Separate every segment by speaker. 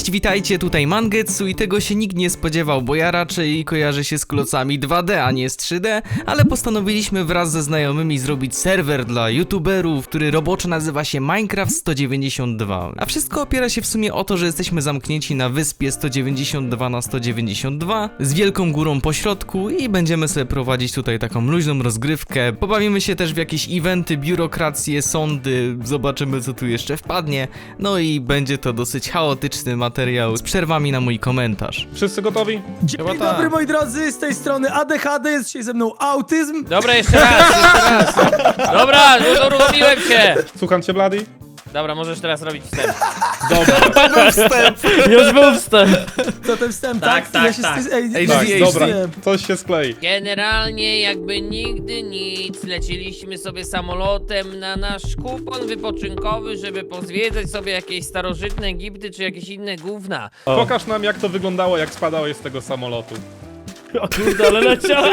Speaker 1: Cześć, witajcie, tutaj Mangetsu i tego się nikt nie spodziewał, bo ja raczej kojarzę się z klocami 2D, a nie z 3D, ale postanowiliśmy wraz ze znajomymi zrobić serwer dla youtuberów, który roboczo nazywa się Minecraft 192. A wszystko opiera się w sumie o to, że jesteśmy zamknięci na wyspie 192 na 192 z wielką górą po środku i będziemy sobie prowadzić tutaj taką luźną rozgrywkę. Pobawimy się też w jakieś eventy, biurokracje, sądy, zobaczymy co tu jeszcze wpadnie, no i będzie to dosyć chaotyczny materiał z przerwami na mój komentarz.
Speaker 2: Wszyscy gotowi?
Speaker 3: Dzień dobry moi drodzy, z tej strony ADHD, jest dzisiaj ze mną autyzm.
Speaker 4: Dobra, jeszcze raz. Dobra, uruchomiłem się.
Speaker 2: Słucham cię, Bloody?
Speaker 4: Dobra, możesz teraz robić wstęp.
Speaker 2: Dobra.
Speaker 5: Już był wstęp.
Speaker 3: Co ten wstęp,
Speaker 5: Tak, tak,
Speaker 3: Ja się
Speaker 5: tak.
Speaker 3: Ej,
Speaker 2: Tak,
Speaker 1: HDHD.
Speaker 2: dobra, coś się sklei.
Speaker 4: Generalnie jakby nigdy nic, leciliśmy sobie samolotem na nasz kupon wypoczynkowy, żeby pozwiedzać sobie jakieś starożytne Egipty czy jakieś inne gówna.
Speaker 2: Pokaż nam, jak to wyglądało, jak spadałeś z tego samolotu.
Speaker 5: O kurde, ale leciał.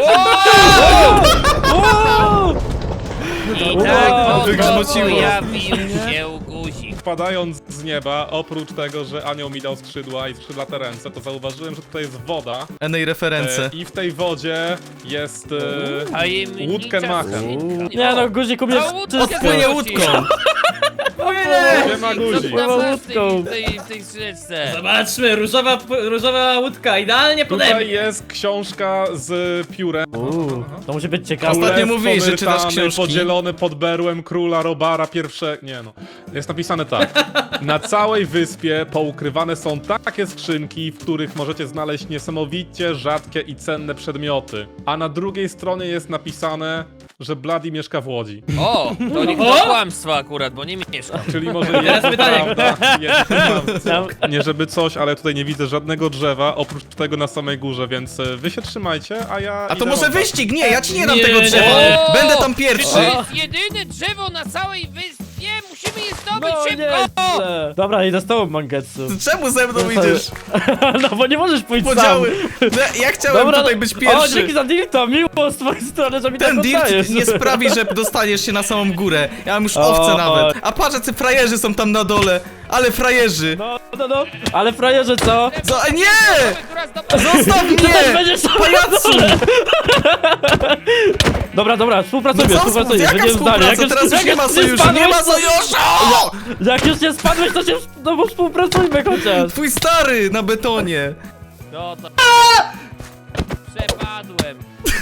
Speaker 4: I tak oto
Speaker 1: wygrzmociło.
Speaker 4: pojawił się guzik.
Speaker 2: Spadając z nieba, oprócz tego, że anioł mi dał skrzydła i skrzydlate ręce, to zauważyłem, że tutaj jest woda.
Speaker 1: Enej reference.
Speaker 2: I w tej wodzie jest
Speaker 4: Tajemnicza
Speaker 2: łódkę machem.
Speaker 4: skrzynka.
Speaker 5: Nie no, guzik umie
Speaker 4: A łódkę
Speaker 5: wszystko.
Speaker 1: Płynie łódką.
Speaker 2: Nie ma
Speaker 4: Co
Speaker 2: guzik.
Speaker 4: tam masz
Speaker 5: łódką.
Speaker 4: w tej skrzynce?
Speaker 5: Zobaczmy, różowa łódka, idealnie pode
Speaker 2: Tutaj
Speaker 5: mnie.
Speaker 2: jest książka z piórem.
Speaker 5: To musi być ciekawe.
Speaker 1: Ostatnio
Speaker 2: Królestwo
Speaker 1: mówiłeś, że czytasz
Speaker 2: Myrtany,
Speaker 1: książki.
Speaker 2: podzielony pod berłem króla Robara pierwsze... Nie no. Jest napisane tak. Na całej wyspie poukrywane są takie skrzynki, w których możecie znaleźć niesamowicie rzadkie i cenne przedmioty. A na drugiej stronie jest napisane, że Bloody mieszka w Łodzi.
Speaker 4: O, to nie to kłamstwo akurat, bo nie mieszkam.
Speaker 2: Czyli może jest
Speaker 5: pytanie.
Speaker 2: prawda, jest kłamstwo. Nie żeby coś, ale tutaj nie widzę żadnego drzewa, oprócz tego na samej górze, więc wy się trzymajcie, a ja...
Speaker 1: A to
Speaker 2: idę
Speaker 1: może
Speaker 2: wam dać.
Speaker 1: wyścig? Nie, ja ci nie dam
Speaker 5: Nie,
Speaker 1: tego
Speaker 5: nie.
Speaker 1: drzewa.
Speaker 4: O!
Speaker 1: Będę tam
Speaker 4: To
Speaker 1: pierwszy.
Speaker 4: jest jedyne drzewo na całej wyspie! Musimy je zdobyć
Speaker 5: No
Speaker 4: szybko!
Speaker 5: nie. Dobra, idę z tobą, Mangetsu.
Speaker 1: Czemu ze mną idziesz?
Speaker 5: No bo nie możesz pójść
Speaker 1: Podziały.
Speaker 5: sam.
Speaker 1: No, ja chciałem tutaj być
Speaker 5: O,
Speaker 1: pierwszy.
Speaker 5: dzięki za dirta, miło z twojej strony, że mi
Speaker 1: Ten
Speaker 5: tak
Speaker 1: dirt
Speaker 5: oddajesz.
Speaker 1: nie sprawi, że dostaniesz się na samą górę. Ja mam już owce
Speaker 5: O,
Speaker 1: nawet. A patrz, jacy frajerzy są tam na dole. Ale frajerzy.
Speaker 5: No. Ale frajerze co?
Speaker 1: Nie! Zostaw
Speaker 5: Ty też
Speaker 1: mnie!
Speaker 5: będziesz...
Speaker 1: Pajacu!
Speaker 5: Dobra, współpracujmy,
Speaker 1: No co,
Speaker 5: współpracujmy.
Speaker 1: jaka
Speaker 5: Będziemy zdali.
Speaker 1: współpraca? Teraz już nie ma sojuszu,
Speaker 5: spadłeś,
Speaker 1: nie ma
Speaker 5: to-
Speaker 1: sojuszu!
Speaker 5: Jak już nie spadłeś, to się... No bo współpracujmy chociaż.
Speaker 1: Twój stary na betonie.
Speaker 4: No to... Przepadłem.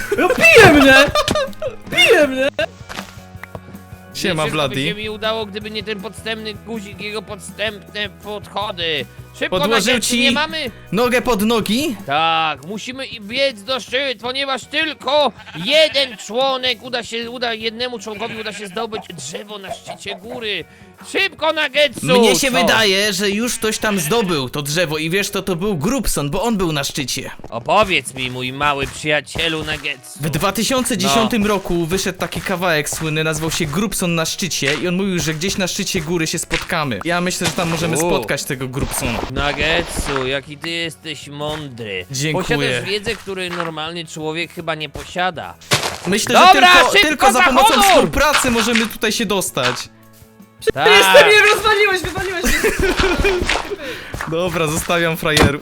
Speaker 5: Bije mnie!
Speaker 1: Siema,
Speaker 4: Wszystko by
Speaker 1: Bloody.
Speaker 4: się mi udało, gdyby nie ten podstępny guzik, jego podstępne podchody. Szybko
Speaker 1: Podłożył
Speaker 4: na
Speaker 1: ci-
Speaker 4: nie mamy?
Speaker 1: Nogę pod nogi?
Speaker 4: Tak, musimy biec do szczyt, ponieważ tylko jeden członek uda jednemu członkowi uda się zdobyć drzewo na szczycie góry. Szybko na Getsu!
Speaker 1: Mnie się
Speaker 4: Co?
Speaker 1: wydaje, że już ktoś tam zdobył to drzewo i wiesz, to był Grubson, bo on był na szczycie.
Speaker 4: Opowiedz mi, mój mały przyjacielu na Getsu.
Speaker 1: W 2010 roku wyszedł taki kawałek słynny, nazywał się Grubson na szczycie i on mówił, że gdzieś na szczycie góry się spotkamy. Ja myślę, że tam możemy spotkać tego Grubsona.
Speaker 4: Nagetsu, jaki ty jesteś mądry.
Speaker 1: Dziękuję.
Speaker 4: Posiadasz wiedzę, której normalny człowiek chyba nie posiada.
Speaker 1: Myślę,
Speaker 4: Dobra,
Speaker 1: że
Speaker 4: szybko
Speaker 1: tylko za
Speaker 4: za
Speaker 1: pomocą
Speaker 4: honor!
Speaker 1: współpracy możemy tutaj się dostać.
Speaker 4: Tak.
Speaker 5: Wywaliłeś mnie!
Speaker 1: Dobra, zostawiam frajerów.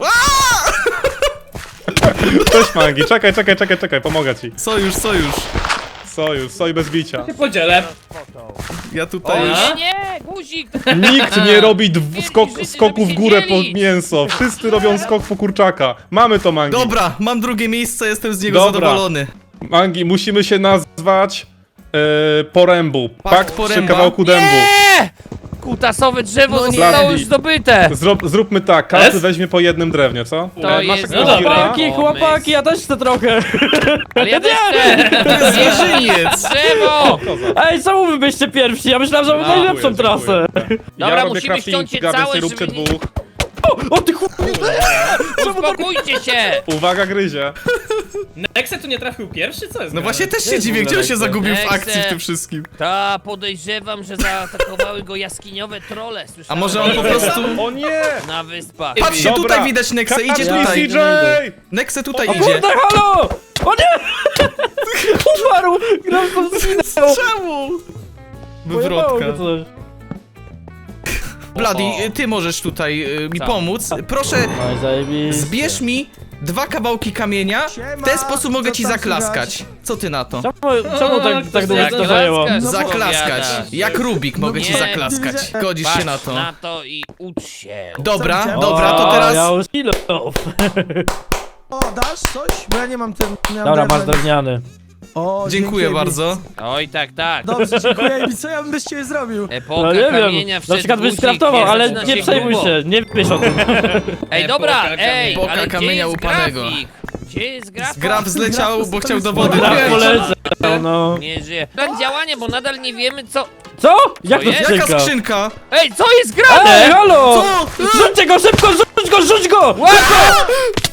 Speaker 2: Cześć Mangi, czekaj, pomogę ci.
Speaker 1: Sojusz.
Speaker 2: Soj bez bicia.
Speaker 5: Podzielę.
Speaker 1: Ja
Speaker 4: O
Speaker 1: tutaj już...
Speaker 4: nie, guzik!
Speaker 2: Nikt nie robi
Speaker 4: Żydzi,
Speaker 2: skoku w
Speaker 4: żeby się
Speaker 2: górę po
Speaker 4: dzielić.
Speaker 2: mięso. Wszyscy robią skok po kurczaka. Mamy to, Mangi.
Speaker 1: Dobra, mam drugie miejsce, jestem z niego
Speaker 2: Dobra.
Speaker 1: zadowolony.
Speaker 2: Mangi, musimy się nazwać Porębu. Pakt przy
Speaker 1: Poręba?
Speaker 2: kawałku dębu.
Speaker 4: Nie! Kutasowe drzewo
Speaker 1: No nie.
Speaker 4: zostało już zdobyte!
Speaker 2: Zróbmy tak, każdy
Speaker 5: Es?
Speaker 2: weźmie po jednym drewnie, co?
Speaker 4: To
Speaker 2: Masz
Speaker 4: jest
Speaker 2: jakiegoś
Speaker 5: No
Speaker 4: dobra.
Speaker 2: gira?
Speaker 5: Chłopaki, ja też chcę trochę.
Speaker 4: Ale ja też chcę!
Speaker 1: To jest jeżyniec.
Speaker 4: Drzewo!
Speaker 5: Ej, czemu wy byście pierwsi? Ja myślałem, że mam
Speaker 4: No.
Speaker 5: najlepszą trasę.
Speaker 4: Dobra,
Speaker 2: Ja robię
Speaker 4: musimy ściąć je
Speaker 2: craftinga, więc
Speaker 4: całe,
Speaker 2: nie róbcie
Speaker 4: żeby nie-
Speaker 2: dwóch.
Speaker 5: O ty chłopie!
Speaker 4: Uspokójcie się!
Speaker 2: Uwaga, gryzie.
Speaker 6: Nexe tu nie trafił pierwszy? Co jest?
Speaker 1: No właśnie też się
Speaker 5: jest w
Speaker 1: dziwię,
Speaker 5: ogóle
Speaker 1: gdzie on się
Speaker 5: lekce?
Speaker 1: zagubił w
Speaker 4: Lekce.
Speaker 1: akcji w tym wszystkim.
Speaker 4: Ta, podejrzewam, że zaatakowały go jaskiniowe trolle.
Speaker 1: A
Speaker 4: Słyszałem
Speaker 1: może on po prostu...
Speaker 2: O nie!
Speaker 4: na wyspach.
Speaker 1: Patrzcie,
Speaker 2: Dobra.
Speaker 1: tutaj widać Nexę, idzie
Speaker 2: Kapnij
Speaker 1: tutaj.
Speaker 2: CJ!
Speaker 1: Nexe tutaj
Speaker 5: O
Speaker 1: idzie.
Speaker 5: kurde, halo! O nie! Umarł! Grabson zginął!
Speaker 1: Czemu?
Speaker 5: Pojebało
Speaker 1: Wywrotka.
Speaker 5: go coś.
Speaker 1: Bloody, ty możesz tutaj mi
Speaker 4: Co?
Speaker 1: pomóc. Proszę,
Speaker 5: No i zajebiście.
Speaker 1: zbierz mi 2 kawałki kamienia, w
Speaker 3: Siema,
Speaker 1: ten sposób mogę
Speaker 3: co
Speaker 1: ci
Speaker 3: tam
Speaker 1: zaklaskać.
Speaker 3: słychać?
Speaker 1: Co ty na to?
Speaker 5: Czemu tak długo to zajęło?
Speaker 4: Zaklaskasz,
Speaker 1: Zaklaskać.
Speaker 4: powiadasz.
Speaker 1: Jak Rubik mogę ci
Speaker 4: nie.
Speaker 1: zaklaskać. Godzisz się
Speaker 4: Patrz
Speaker 1: na to.
Speaker 4: na to i ucz się.
Speaker 1: Dobra,
Speaker 3: Co
Speaker 1: dobra, to
Speaker 5: O,
Speaker 1: teraz...
Speaker 5: Ja już kilof.
Speaker 3: O, dasz coś? Bo ja nie mam ten... nie mam
Speaker 5: Dobra, masz
Speaker 3: drewna.
Speaker 5: drewniany.
Speaker 3: O,
Speaker 1: Dziękuję
Speaker 3: dzięki,
Speaker 1: bardzo.
Speaker 4: Oj, tak.
Speaker 3: Dobrze, dziękuję. I co ja bym bez ciebie zrobił?
Speaker 4: Epoka
Speaker 5: No nie
Speaker 4: kamienia
Speaker 5: wiem, na przykład byś
Speaker 4: wszedł
Speaker 5: skraftował,
Speaker 4: guzik,
Speaker 5: ale
Speaker 4: zaczyna
Speaker 5: nie przejmuj
Speaker 4: grubo.
Speaker 5: się, nie wiesz o tym.
Speaker 4: Ej, dobra,
Speaker 6: Epoka
Speaker 4: ej,
Speaker 1: Epoka
Speaker 4: ale gdzie
Speaker 1: kamienia
Speaker 4: jest
Speaker 1: upanego.
Speaker 4: grafik? Gdzie jest grafik?
Speaker 1: Graf zleciał, bo chciał do wody.
Speaker 5: Graf
Speaker 1: wejść.
Speaker 5: poleciał, no.
Speaker 4: Nie żyje. Plan działania, bo nadal nie wiemy co...
Speaker 5: Co? Jak to
Speaker 4: jest?
Speaker 1: Jaka
Speaker 5: skrzynka?
Speaker 1: skrzynka?
Speaker 4: Ej, co jest grane?
Speaker 5: Ej, halo!
Speaker 1: Co?
Speaker 5: Rzućcie go szybko, rzuć go!
Speaker 4: Łako!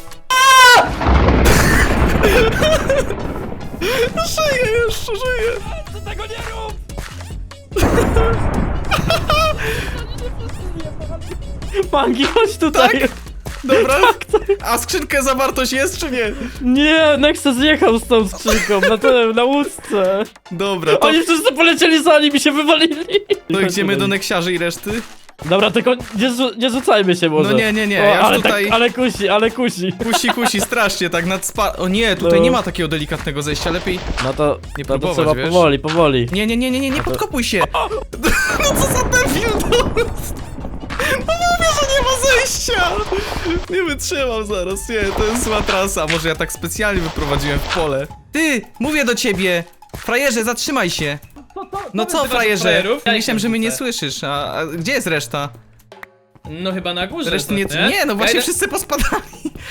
Speaker 1: Żyje, jeszcze żyje.
Speaker 4: Co tego nie rób?
Speaker 5: Mangi, chodź tutaj.
Speaker 1: Tak? Dobra. A skrzynkę zawartość jest czy nie?
Speaker 5: Nie, Nexa zjechał z tą skrzynką na łódce.
Speaker 1: Dobra, to,
Speaker 5: Oni wszyscy polecieli za nim i się wywalili.
Speaker 1: to idziemy do neksiarzy i reszty?
Speaker 5: Dobra, tylko nie rzucajmy się może.
Speaker 1: No nie,
Speaker 5: O,
Speaker 1: ja już
Speaker 5: ale
Speaker 1: tutaj...
Speaker 5: tak, ale kusi.
Speaker 1: Kusi, strasznie, tak nad spa... O nie, tutaj
Speaker 5: No.
Speaker 1: nie ma takiego delikatnego zejścia, lepiej...
Speaker 5: No to,
Speaker 1: Nie
Speaker 5: to
Speaker 1: próbować,
Speaker 5: trzeba
Speaker 1: wiesz?
Speaker 5: powoli.
Speaker 1: Nie podkopuj się! No co za debil, no! No mówię, że nie ma zejścia! Nie wytrzymam zaraz, nie, to jest zła trasa. Może ja tak specjalnie wyprowadziłem w pole. Ty, mówię do ciebie! Frajerze, zatrzymaj się! No co,
Speaker 6: nazywasz
Speaker 1: frajerze?
Speaker 6: frajerów? Ja
Speaker 1: Myślałem,
Speaker 6: ich
Speaker 1: że mnie nie
Speaker 6: wrzucę.
Speaker 1: słyszysz, a gdzie jest reszta?
Speaker 6: No chyba na górze.
Speaker 1: Reszty nie...
Speaker 6: tak,
Speaker 1: Nie, no właśnie
Speaker 6: Ja idę-
Speaker 1: wszyscy pospadali.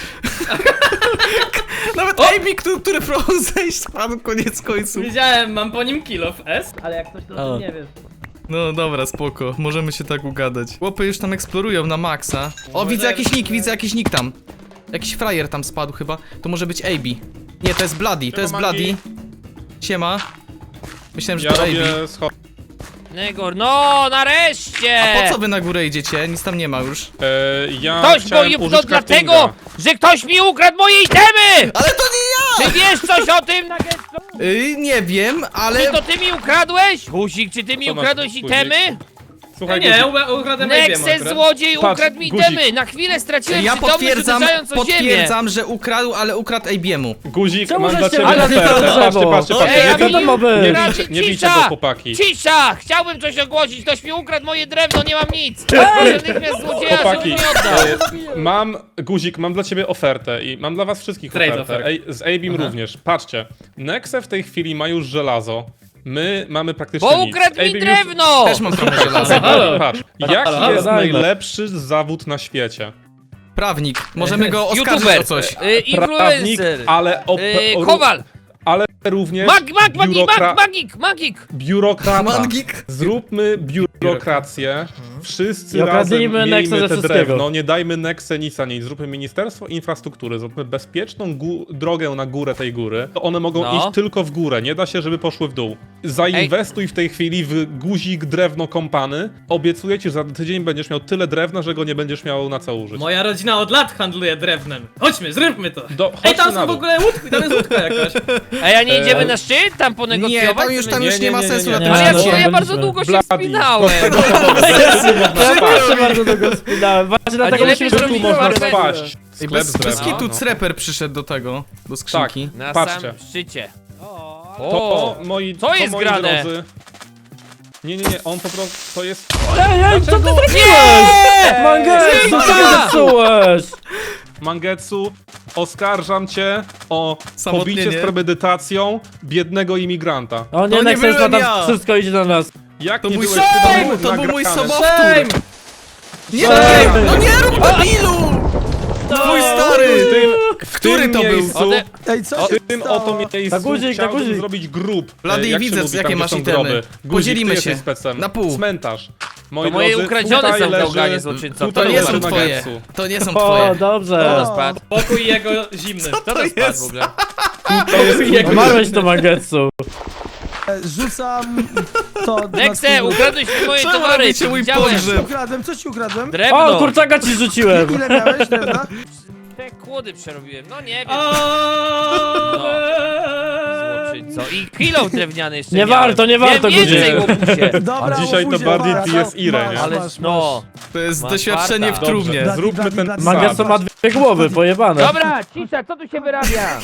Speaker 1: Nawet Amy, który próbował zejść, spadł koniec końców.
Speaker 6: Wiedziałem, mam po nim kill of S. Ale jak ktoś
Speaker 5: O.
Speaker 6: to nie wie.
Speaker 1: No dobra, spoko, możemy się tak ugadać. Chłopy już tam eksplorują na maksa. O, widzę jakiś nick tam. Jakiś frajer tam spadł chyba. To może być AB. Nie, to jest Bloody, to jest Bloody. Siema. Myślałem, że
Speaker 2: Ja
Speaker 1: to AB.
Speaker 2: robię schody.
Speaker 4: Negor, no nareszcie!
Speaker 1: A po co wy na górę idziecie? Nic tam nie ma już.
Speaker 2: Ja
Speaker 4: Ktoś
Speaker 2: chciałem
Speaker 4: moje...
Speaker 2: użyć
Speaker 4: No dlatego,
Speaker 2: craftinga.
Speaker 4: że ktoś mi ukradł moje itemy!
Speaker 1: Ale to nie
Speaker 4: Ty wiesz coś o tym, Nuggetsu?
Speaker 1: ja! Nie wiem, ale...
Speaker 4: Czy to ty mi ukradłeś? Guzik, czy ty mi
Speaker 2: Co masz,
Speaker 4: ukradłeś
Speaker 2: guzik?
Speaker 4: itemy?
Speaker 2: Słuchaj,
Speaker 6: Nie,
Speaker 2: guzik,
Speaker 6: ukradłem
Speaker 4: Nexus złodziej
Speaker 2: Patrz,
Speaker 4: ukradł mi
Speaker 2: guzik.
Speaker 4: itemy! Na chwilę straciłem
Speaker 1: Ja
Speaker 4: przytomność, uderzając o ziemię!
Speaker 1: potwierdzam, że ukradł, ale ukradł AB'emu.
Speaker 2: guzik,
Speaker 5: Czemu
Speaker 2: mam dla
Speaker 5: żeście
Speaker 2: ciebie
Speaker 5: wylazli na
Speaker 2: ofertę.
Speaker 5: drzewo?
Speaker 2: Patrzcie,
Speaker 4: Ej,
Speaker 2: nie
Speaker 4: a
Speaker 2: bij-
Speaker 5: to ma być?
Speaker 2: nie bijcie go, chłopaki.
Speaker 4: Cisza! Chciałbym coś ogłosić, ktoś mi ukradł moje drewno, nie mam nic! Proszę natychmiast złodzieja, żeby
Speaker 2: Chłopaki,
Speaker 4: mi oddał!
Speaker 2: Guzik, mam dla ciebie ofertę i mam dla was wszystkich
Speaker 6: Trade
Speaker 2: ofertę.
Speaker 6: offer.
Speaker 2: Ej, z Abim również. Patrzcie, Nexe w tej chwili ma już żelazo. My mamy praktycznie
Speaker 4: Bo
Speaker 2: nic.
Speaker 4: ukradł mi
Speaker 2: Abim już-
Speaker 4: drewno!
Speaker 1: Też mam trochę żelaza.
Speaker 6: Halo.
Speaker 2: Patrz, jaki
Speaker 5: halo,
Speaker 2: jest
Speaker 5: dajmy.
Speaker 2: najlepszy zawód na świecie?
Speaker 1: Prawnik. Możemy go oskarżyć
Speaker 4: YouTuber,
Speaker 1: o coś.
Speaker 2: Prawnik,
Speaker 4: influencer,
Speaker 2: ale
Speaker 4: kowal,
Speaker 2: ale również
Speaker 4: magik!
Speaker 2: biurokrata.
Speaker 1: Mangik.
Speaker 2: Zróbmy biurokrację. Wszyscy
Speaker 5: I
Speaker 2: razem
Speaker 5: okradnijmy Nexę
Speaker 2: miejmy
Speaker 5: ze
Speaker 2: te
Speaker 5: wszystkiego.
Speaker 2: drewno, nie dajmy Nexe nic ani nic. Zróbmy Ministerstwo Infrastruktury, zróbmy bezpieczną drogę na górę tej góry. To one mogą
Speaker 4: No.
Speaker 2: iść tylko w górę, nie da się, żeby poszły w dół. Zainwestuj w tej chwili w guzik drewno kompany. Obiecuję ci, że za tydzień będziesz miał tyle drewna, że go nie będziesz miał na co użyć.
Speaker 6: Moja rodzina od lat handluje drewnem. Chodźmy, zróbmy to.
Speaker 2: Ej,
Speaker 6: Ej, tam są w ogóle łódki, tam jest łódka jakaś.
Speaker 4: A ja nie idziemy na szczyt, tam ponegocjować?
Speaker 1: Nie, tam już nie ma sensu na
Speaker 2: nie,
Speaker 1: tym
Speaker 4: Ale ja,
Speaker 5: no,
Speaker 1: szczycie.
Speaker 4: ja
Speaker 5: tam
Speaker 4: bardzo
Speaker 5: byliśmy.
Speaker 4: długo się
Speaker 2: Bloody.
Speaker 4: wspinałem!
Speaker 5: Proszę bardzo długo spinałem. Właśnie
Speaker 4: A
Speaker 5: dlatego
Speaker 4: nie
Speaker 5: musimy
Speaker 4: lepiej
Speaker 2: Tu
Speaker 4: zrobić
Speaker 2: można
Speaker 4: drewno.
Speaker 2: spaść.
Speaker 1: Ej,
Speaker 2: Sklep z
Speaker 1: bez
Speaker 2: drewna.
Speaker 1: kitu
Speaker 2: no.
Speaker 1: Creper przyszedł do tego, do skrzynki.
Speaker 4: Na
Speaker 2: Patrzcie.
Speaker 4: samym szczycie.
Speaker 2: To
Speaker 4: jest
Speaker 2: moi
Speaker 4: grane?
Speaker 2: drodzy. Nie, on po prostu, to jest...
Speaker 5: Ej, co ty zrobiłeś?
Speaker 4: Nie!
Speaker 5: Mangetsu, co ty
Speaker 4: Cisza!
Speaker 5: zepsułeś?
Speaker 2: Mangetsu, oskarżam cię o
Speaker 1: Samotnienie.
Speaker 2: pobicie z premedytacją biednego imigranta.
Speaker 5: O nie,
Speaker 1: To nie
Speaker 5: Nexa jest
Speaker 1: byłem
Speaker 5: tam,
Speaker 1: ja.
Speaker 5: wszystko idzie na nas.
Speaker 2: Jak
Speaker 1: To
Speaker 2: nie
Speaker 1: mój
Speaker 2: byłeś
Speaker 1: shame!
Speaker 2: ty
Speaker 1: To był mój
Speaker 2: nagrany?
Speaker 1: sobowtór! Nie,
Speaker 5: Shame!
Speaker 1: no nie rób debilu! Twój stary! Który
Speaker 2: tym
Speaker 1: to był?
Speaker 2: miejscu,
Speaker 3: Ej, co się
Speaker 2: W tym
Speaker 3: stało?
Speaker 2: oto miejscu
Speaker 5: Na guzik, na
Speaker 2: chciałbym
Speaker 5: guzik.
Speaker 2: zrobić grób.
Speaker 1: Blady,
Speaker 2: Jak się
Speaker 1: widzę,
Speaker 2: mówi
Speaker 1: jakie
Speaker 2: tam,
Speaker 1: masz
Speaker 2: gdzie są
Speaker 1: itemy.
Speaker 2: groby. Guzik,
Speaker 1: Podzielimy
Speaker 2: ty jesteś
Speaker 1: się.
Speaker 2: specem.
Speaker 1: Na pół.
Speaker 2: Cmentarz. Moi
Speaker 4: To moje
Speaker 2: drodzy,
Speaker 4: ukradzione
Speaker 2: tutaj
Speaker 4: są w
Speaker 2: leży-
Speaker 4: gałganie złoczyńcą.
Speaker 2: tutaj
Speaker 1: To nie
Speaker 2: leży
Speaker 1: są twoje.
Speaker 2: Nagetsu.
Speaker 1: To nie są
Speaker 5: O,
Speaker 1: twoje.
Speaker 5: dobrze.
Speaker 4: Kto spadł?
Speaker 6: Pokój jego zimny.
Speaker 4: Kto to spadł w ogóle?
Speaker 2: To jest jego
Speaker 5: Umarłeś to Mangetsu.
Speaker 3: Rzucam to... na
Speaker 4: Nexe,
Speaker 3: twój-
Speaker 4: ukradłeś mi moje
Speaker 1: Czemu
Speaker 4: towary!
Speaker 1: robicie mój
Speaker 4: Widziałem.
Speaker 1: pogrzeb?
Speaker 3: Ukradłem, co ci ukradłem?
Speaker 4: Drewno!
Speaker 5: O, kurczaka ci rzuciłem.
Speaker 3: Ile miałeś drewna?
Speaker 4: Te kłody przerobiłem, no nie wiem.
Speaker 6: O!
Speaker 4: Co? I kilo drewniany jeszcze
Speaker 5: Nie
Speaker 4: miałem.
Speaker 5: warto, nie warto,
Speaker 4: Wiem więcej,
Speaker 2: Guzik.
Speaker 4: łobuzie.
Speaker 3: Dobra,
Speaker 2: A dzisiaj to
Speaker 3: łobuzie,
Speaker 2: bardziej
Speaker 3: masz,
Speaker 2: TSI-re, nie?
Speaker 3: masz,
Speaker 4: Ale
Speaker 3: masz,
Speaker 4: no.
Speaker 1: To jest
Speaker 4: Masz
Speaker 1: doświadczenie w
Speaker 4: farta.
Speaker 1: trumnie.
Speaker 2: Dobrze, zróbmy ten
Speaker 5: Mangetsu
Speaker 2: sad.
Speaker 5: ma dwie głowy, pojebane.
Speaker 4: Dobra, cisza, co tu się wyrabia?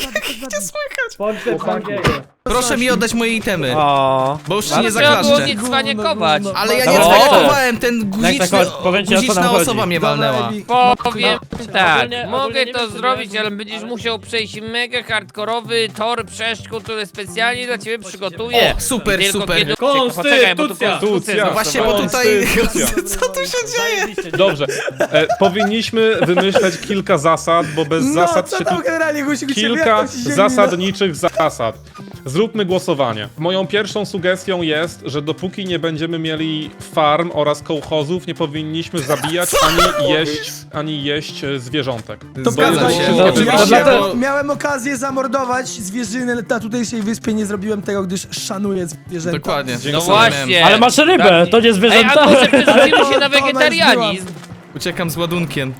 Speaker 1: Proszę mi oddać moje itemy.
Speaker 5: O.
Speaker 1: Bo już ci
Speaker 4: Ale
Speaker 1: nie
Speaker 4: trzeba było
Speaker 1: zaklaszczę.
Speaker 4: nie cwaniakować.
Speaker 1: Ale ja nie
Speaker 5: Dobra.
Speaker 1: zwariowałem, ten guziczny,
Speaker 5: tak, powiem ci, o co nam
Speaker 1: guziczna
Speaker 5: chodzi.
Speaker 1: osoba mnie walnęła.
Speaker 4: Powiem tak,
Speaker 5: Ogólnie
Speaker 4: mogę
Speaker 5: nie
Speaker 4: to
Speaker 5: wiem, co
Speaker 4: zrobić,
Speaker 5: miałem
Speaker 4: ale będziesz musiał przejść mega hardkorowy tor przeszkód, który specjalnie dla ciebie przygotuję.
Speaker 1: O, super,
Speaker 4: Tylko
Speaker 1: super.
Speaker 4: kiedy...
Speaker 6: Konstytucja.
Speaker 4: Poczekaj, bo tu
Speaker 2: Konstytucja.
Speaker 1: No właśnie, bo tutaj... Co tu się dzieje?
Speaker 2: Dobrze, powinniśmy wymyśleć kilka zasad, bo bez
Speaker 3: No,
Speaker 2: zasad
Speaker 3: co
Speaker 2: się
Speaker 3: tam
Speaker 2: tu...
Speaker 3: generalnie, Guzik, u ciebie?
Speaker 2: Kilka
Speaker 3: Jak tam ci się
Speaker 2: zasadniczych zasad. Zróbmy głosowanie. Moją pierwszą sugestią jest, że dopóki nie będziemy mieli farm oraz kołchozów, nie powinniśmy zabijać ani jeść zwierzątek.
Speaker 3: To
Speaker 2: Bo
Speaker 1: zgadza
Speaker 2: jest-
Speaker 1: się.
Speaker 5: No,
Speaker 1: Oczywiście,
Speaker 3: ja
Speaker 1: bo...
Speaker 3: miałem okazję zamordować zwierzynę na tutejszej wyspie, nie zrobiłem tego, gdyż szanuję zwierzęta.
Speaker 1: Dokładnie.
Speaker 4: No
Speaker 1: To samo miałem.
Speaker 4: właśnie.
Speaker 5: Ale masz rybę, to nie
Speaker 4: Ej,
Speaker 5: zwierzęta.
Speaker 4: a może przerzucimy się
Speaker 3: Ale
Speaker 4: na
Speaker 3: to ona
Speaker 4: wegetarianizm?
Speaker 1: Uciekam z ładunkiem.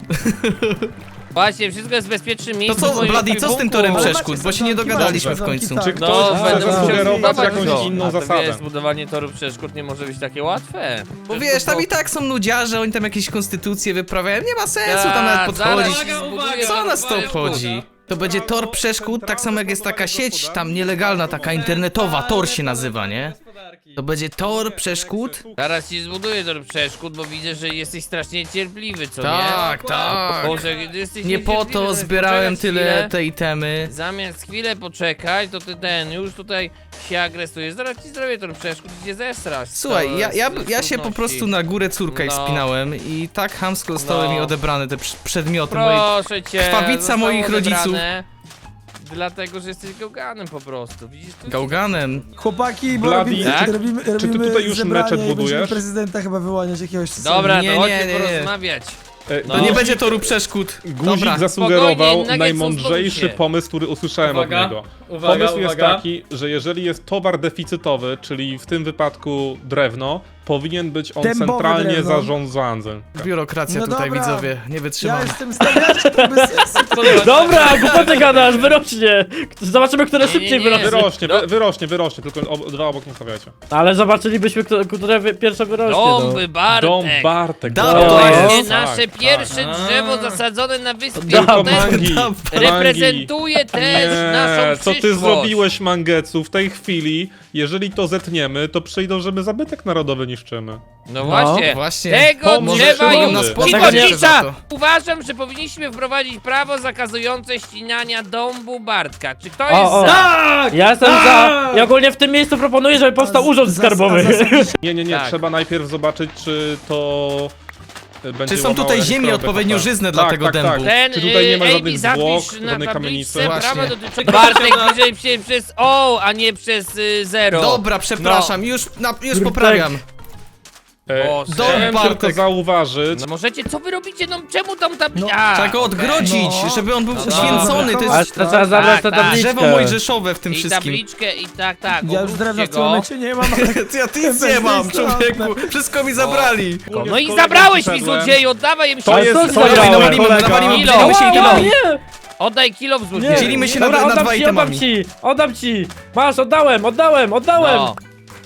Speaker 4: Właśnie, wszystko jest w bezpiecznym
Speaker 1: To
Speaker 4: miejscu.
Speaker 1: co,
Speaker 4: w moim
Speaker 1: Bloody, co z tym torem
Speaker 3: Ale
Speaker 1: przeszkód?
Speaker 3: macie
Speaker 1: Bo się nie
Speaker 3: sadzonki,
Speaker 1: dogadaliśmy
Speaker 3: macie
Speaker 1: w końcu.
Speaker 3: sadzonki,
Speaker 2: Czy
Speaker 3: tak.
Speaker 2: ktoś
Speaker 4: No,
Speaker 2: chce
Speaker 4: będę musiał
Speaker 2: zasugerować
Speaker 4: zbudować
Speaker 2: jakąś
Speaker 4: to.
Speaker 2: inną
Speaker 4: A to
Speaker 2: zasadę?
Speaker 4: wiesz, budowanie toru przeszkód nie może być takie łatwe.
Speaker 1: Bo wiesz, tam i tak są nudziarze, oni tam jakieś konstytucje wyprawiają, nie ma sensu tam nawet
Speaker 4: zaraz
Speaker 1: podchodzić.
Speaker 4: ci zbuduję
Speaker 1: Co
Speaker 4: toru
Speaker 1: nas to
Speaker 4: przeszkód.
Speaker 1: obchodzi? To będzie tor przeszkód, tak samo jak jest taka sieć tam nielegalna, taka internetowa, tor się nazywa, nie? To będzie tor przeszkód?
Speaker 4: Zaraz ci zbuduję tor przeszkód, bo widzę, że jesteś strasznie cierpliwy, co
Speaker 1: Tak,
Speaker 4: nie?
Speaker 1: tak.
Speaker 4: Boże, gdy jesteś
Speaker 1: Nie po
Speaker 4: niecierpliwy,
Speaker 1: to
Speaker 4: zamiast
Speaker 1: zbierałem
Speaker 4: poczekać
Speaker 1: tyle
Speaker 4: chwilę,
Speaker 1: te itemy.
Speaker 4: Zamiast chwilę poczekać, to ty już tutaj się agresujesz. Zaraz ci zrobię tor przeszkód, gdzie zesrasz.
Speaker 1: Słuchaj, ja się po
Speaker 4: trudności.
Speaker 1: prostu na górę córka
Speaker 4: No.
Speaker 1: wspinałem i tak chamsko zostały
Speaker 4: No.
Speaker 1: mi odebrane te przedmioty moje.
Speaker 4: Proszę cię.
Speaker 1: krwawica
Speaker 4: zostało
Speaker 1: moich rodziców.
Speaker 4: odebrane, Dlatego, że jesteś gałganem po prostu. Widzisz to?
Speaker 1: Gałganem.
Speaker 3: Chłopaki, bo
Speaker 2: Bloody,
Speaker 3: robimy,
Speaker 4: tak?
Speaker 3: robimy,
Speaker 2: Czy ty
Speaker 3: robimy
Speaker 2: tutaj już
Speaker 3: zebranie
Speaker 2: meczet
Speaker 3: i będziemy
Speaker 2: budujesz?
Speaker 3: prezydenta chyba wyłaniać jakiegoś...
Speaker 4: Dobra,
Speaker 1: Nie,
Speaker 4: to chodźmy
Speaker 1: nie, nie.
Speaker 4: porozmawiać.
Speaker 1: To nie będzie toru przeszkód.
Speaker 2: Guzik
Speaker 1: Dobra.
Speaker 2: zasugerował
Speaker 4: Spokojnie, nuggets
Speaker 2: najmądrzejszy
Speaker 4: uspokój się.
Speaker 2: pomysł, który usłyszałem od
Speaker 6: Uwaga,
Speaker 2: niego.
Speaker 6: uwaga,
Speaker 2: Pomysł jest
Speaker 6: uwaga.
Speaker 2: taki, że jeżeli jest towar deficytowy, czyli w tym wypadku drewno, powinien być on
Speaker 3: Dębowe
Speaker 2: centralnie
Speaker 3: drewno.
Speaker 2: zarządzany.
Speaker 1: Biurokracja
Speaker 3: No
Speaker 1: tutaj,
Speaker 3: dobra.
Speaker 1: widzowie, nie
Speaker 3: Ja
Speaker 1: wytrzymam.
Speaker 3: jestem stawiaczem, to bez sensu.
Speaker 5: Dobra, głupoty gadasz, wyrośnie. Zobaczymy, które szybciej
Speaker 4: nie.
Speaker 5: wyrośnie.
Speaker 2: Wyrośnie,
Speaker 4: No.
Speaker 2: wyrośnie, tylko dwa obok nie stawiajcie.
Speaker 5: Ale zobaczylibyśmy, które pierwsze wyrośnie. No.
Speaker 4: Dąby, Bartek.
Speaker 2: Dom Bartek.
Speaker 1: Dom
Speaker 2: tak,
Speaker 1: to
Speaker 4: Właśnie
Speaker 1: jest.
Speaker 4: nasze
Speaker 2: tak,
Speaker 4: pierwsze
Speaker 2: tak.
Speaker 4: drzewo zasadzone na wyspie.
Speaker 2: Tylko
Speaker 4: To też
Speaker 2: mangi,
Speaker 4: reprezentuje też naszą
Speaker 2: co
Speaker 4: przyszłość.
Speaker 2: ty zrobiłeś, Mangetsu, w tej chwili, jeżeli to zetniemy, to przyjdą, żeby zabytek narodowy niszczymy.
Speaker 4: No właśnie.
Speaker 1: właśnie.
Speaker 4: Tego
Speaker 2: Może
Speaker 4: drzewa
Speaker 2: się
Speaker 4: już...
Speaker 2: nas
Speaker 4: Cicho,
Speaker 1: pozwać za
Speaker 4: cisza!
Speaker 1: to.
Speaker 4: Uważam, że powinniśmy wprowadzić prawo zakazujące ścinania dąbu Bartka. Czy ktoś jest
Speaker 5: O, o.
Speaker 4: za?
Speaker 6: Tak!
Speaker 5: Ja jestem za... Ja ogólnie w tym miejscu proponuję, żeby powstał urząd skarbowy.
Speaker 2: Nie,
Speaker 4: Tak.
Speaker 2: trzeba najpierw zobaczyć, czy to będzie
Speaker 1: Czy są
Speaker 2: łamało
Speaker 1: tutaj ziemie
Speaker 2: elektrownię
Speaker 1: odpowiednio
Speaker 2: HP.
Speaker 1: żyzne dla tego dębu?
Speaker 4: Ten
Speaker 2: Czy tutaj nie ma
Speaker 4: AB
Speaker 2: żadnych zwłok,
Speaker 4: zapisz na
Speaker 2: żadnej
Speaker 4: tabliczce
Speaker 2: kamienicy?
Speaker 4: prawa
Speaker 1: Właśnie.
Speaker 4: dotyczące... Bartek bliżej się przez O, a nie przez zero.
Speaker 1: Dobra, przepraszam, już
Speaker 5: Kurde.
Speaker 1: poprawiam.
Speaker 4: Boże.
Speaker 2: Chciałem
Speaker 1: Bartek.
Speaker 2: tylko zauważyć,
Speaker 4: No możecie, co wy robicie? No czemu tam tabliczka?
Speaker 1: Trzeba go odgrodzić,
Speaker 3: No.
Speaker 1: żeby on był
Speaker 4: No
Speaker 1: uświęcony, to
Speaker 5: Ale
Speaker 1: jest
Speaker 5: to trzeba zabrać tę
Speaker 4: tak.
Speaker 5: tabliczkę.
Speaker 1: drzewo mojżeszowe w tym
Speaker 4: I
Speaker 1: wszystkim.
Speaker 4: tabliczkę i tak, tak.
Speaker 3: Ja już
Speaker 4: obróćcie
Speaker 3: drewna w tym
Speaker 4: go.
Speaker 3: momencie nie mam, ale...
Speaker 1: Ja nic nie mam, człowieku, wszystko mi zabrali.
Speaker 4: No i zabrałeś mi złodzieju, oddawaj im
Speaker 2: To
Speaker 4: się.
Speaker 2: jest-
Speaker 5: Co
Speaker 2: to jest
Speaker 5: zabrałem,
Speaker 1: nawalimy,
Speaker 5: kolega?
Speaker 1: nawalimy,
Speaker 4: Kilo.
Speaker 1: dzielimy się
Speaker 5: Ała,
Speaker 1: itemami.
Speaker 5: nie!
Speaker 4: Oddaj kilo w
Speaker 5: Nie.
Speaker 4: złodzieju.
Speaker 1: Dzielimy się
Speaker 5: Dobra,
Speaker 1: na
Speaker 5: oddam
Speaker 1: dwa
Speaker 5: ci,
Speaker 1: itemami.
Speaker 5: oddam ci! Masz, oddałem!
Speaker 4: No.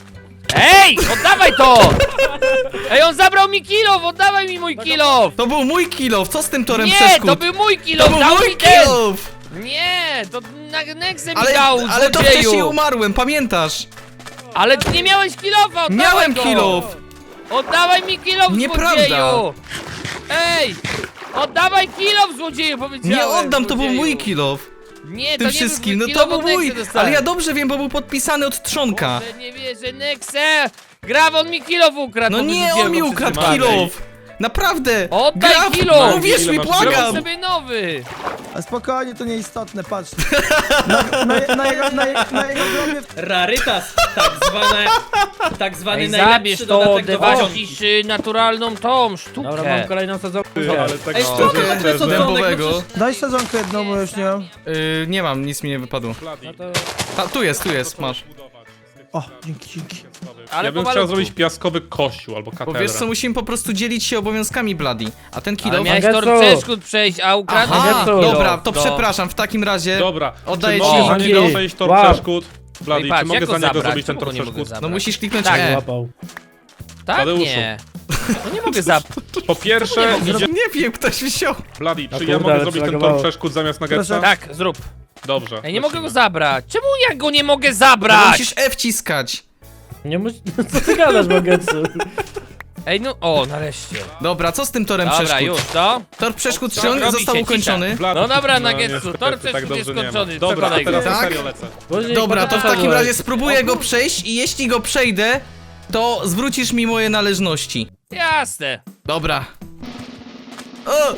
Speaker 4: Ej, oddawaj to! Ej, on zabrał mi kilow, oddawaj mi mój kilow!
Speaker 1: To był mój kilow, co z tym torem
Speaker 4: Nie,
Speaker 1: przeszkód?
Speaker 4: to był mój
Speaker 1: To
Speaker 4: kilow,
Speaker 1: był
Speaker 4: dał
Speaker 1: mój
Speaker 4: mi ten!
Speaker 1: kilow!
Speaker 4: Nie, to na Nexę mi
Speaker 1: Ale,
Speaker 4: dał,
Speaker 1: ale to
Speaker 4: złodzieju.
Speaker 1: wcześniej umarłem, pamiętasz?
Speaker 4: Ale ty nie miałeś kilowa, oddawaj
Speaker 1: Miałem
Speaker 4: go.
Speaker 1: kilow!
Speaker 4: Oddawaj mi kilow,
Speaker 1: Nieprawda.
Speaker 4: złodzieju! Ej! Oddawaj kilow, złodzieju, powiedziałem!
Speaker 1: Nie oddam, to był
Speaker 4: złodzieju.
Speaker 1: mój kilow.
Speaker 4: Nie,
Speaker 1: Tym
Speaker 4: to nie
Speaker 1: wszystkim,
Speaker 4: był
Speaker 1: no
Speaker 4: kilow,
Speaker 1: to był
Speaker 4: od Nexy
Speaker 1: mój.
Speaker 4: dostałem.
Speaker 1: Ale ja dobrze wiem, bo był podpisany od trzonka.
Speaker 4: Boże, nie wierzę, Nexe! Grawon mi kilow ukradł!
Speaker 1: No
Speaker 4: bo
Speaker 1: nie,
Speaker 4: wyrzuciłem
Speaker 1: on mi
Speaker 4: go
Speaker 1: ukradł
Speaker 4: wszyscy.
Speaker 1: kilow! Naprawdę!
Speaker 4: Oddaj
Speaker 1: Graf,
Speaker 4: kilow!
Speaker 1: uwierz
Speaker 2: Ile
Speaker 1: mi,
Speaker 2: masz
Speaker 1: błagam!
Speaker 2: kilow?
Speaker 4: Zrób sobie nowy!
Speaker 3: A spokojnie, to nieistotne, patrz. Na jego grobie...
Speaker 6: Rarytas, tak zwany
Speaker 4: Ej,
Speaker 6: najlepszy
Speaker 4: zabierz to,
Speaker 6: dodatek do
Speaker 4: dewaścisz naturalną tą sztukę.
Speaker 5: Dobra, mam kolejną sadzonkę.
Speaker 2: ale tak
Speaker 6: Ej,
Speaker 2: szczerze,
Speaker 6: szczerze,
Speaker 2: szczerze.
Speaker 6: co to?
Speaker 1: Dębowego.
Speaker 3: Daj sadzonkę jedną, bo już nie mam.
Speaker 1: Nie mam, nic mi nie wypadło.
Speaker 2: Bloody.
Speaker 1: Tu jest, masz.
Speaker 3: O, dzięki.
Speaker 4: Ale
Speaker 2: Ja bym
Speaker 4: po
Speaker 2: chciał
Speaker 4: malutku.
Speaker 2: zrobić piaskowy kościół albo
Speaker 1: Bo
Speaker 2: katedrę.
Speaker 1: wiesz co, musimy po prostu dzielić się obowiązkami, Bloody. A ten
Speaker 4: Ale
Speaker 1: kilow...
Speaker 4: miałeś
Speaker 5: Mangetsu.
Speaker 4: tor przeszkód przejść, a ukradłeś
Speaker 1: Aha,
Speaker 5: Mangetsu.
Speaker 1: dobra, to
Speaker 4: No.
Speaker 1: przepraszam, w takim razie...
Speaker 2: Dobra,
Speaker 1: Oddaję
Speaker 2: czy
Speaker 1: ci
Speaker 2: mogę
Speaker 5: mangi.
Speaker 2: za niego przejść tor
Speaker 5: Wow.
Speaker 2: przeszkód? Bloody,
Speaker 4: Ej, patrz,
Speaker 2: czy mogę
Speaker 4: jak
Speaker 2: za
Speaker 4: go
Speaker 2: niego
Speaker 4: zabrać?
Speaker 2: zrobić ten
Speaker 4: Czemu go nie mogę
Speaker 2: przeszkód?
Speaker 4: zabrać?
Speaker 1: No musisz kliknąć
Speaker 4: Tak,
Speaker 1: E.
Speaker 5: Łapał.
Speaker 4: Tak,
Speaker 2: Tadeuszu.
Speaker 4: nie. No nie mogę zabrać.
Speaker 2: Po pierwsze, idzie...
Speaker 1: Nie wiem, ktoś wziął.
Speaker 2: Bloody,
Speaker 5: A
Speaker 2: czy
Speaker 5: kurde,
Speaker 2: ja mogę
Speaker 5: ale
Speaker 2: zrobić ten
Speaker 5: przylagowało.
Speaker 2: tor przeszkód zamiast Nuggetsa?
Speaker 4: Tak, zrób.
Speaker 2: Dobrze.
Speaker 4: Ej, nie mogę go
Speaker 2: lecimy.
Speaker 4: zabrać. Czemu ja go nie mogę
Speaker 1: No,
Speaker 4: zabrać?
Speaker 1: musisz E wciskać.
Speaker 5: Nie musisz... Co ty gadasz, Magetsu?
Speaker 4: Ej, no, o, nareszcie.
Speaker 1: Dobra, co z tym torem
Speaker 4: Dobra,
Speaker 1: przeszkód?
Speaker 4: już, to?
Speaker 1: Tor przeszkód,
Speaker 4: Co?
Speaker 1: czy on
Speaker 4: Robi
Speaker 1: został
Speaker 4: się,
Speaker 1: ukończony?
Speaker 2: Bloody,
Speaker 4: No dobra,
Speaker 2: no,
Speaker 4: Nuggetsu,
Speaker 2: niestety,
Speaker 4: tor
Speaker 2: tak
Speaker 4: przeszkód jest
Speaker 2: dobrze nie ma.
Speaker 4: skończony,
Speaker 2: Dobra, a
Speaker 4: przekonaj go.
Speaker 2: teraz na
Speaker 1: Tak?
Speaker 2: serio lecę.
Speaker 5: Później
Speaker 1: Dobra, to w takim
Speaker 5: pogadamy.
Speaker 1: razie spróbuję go przejść i jeśli go przejdę, to zwrócisz mi moje należności.
Speaker 4: Jasne.
Speaker 1: Dobra. O!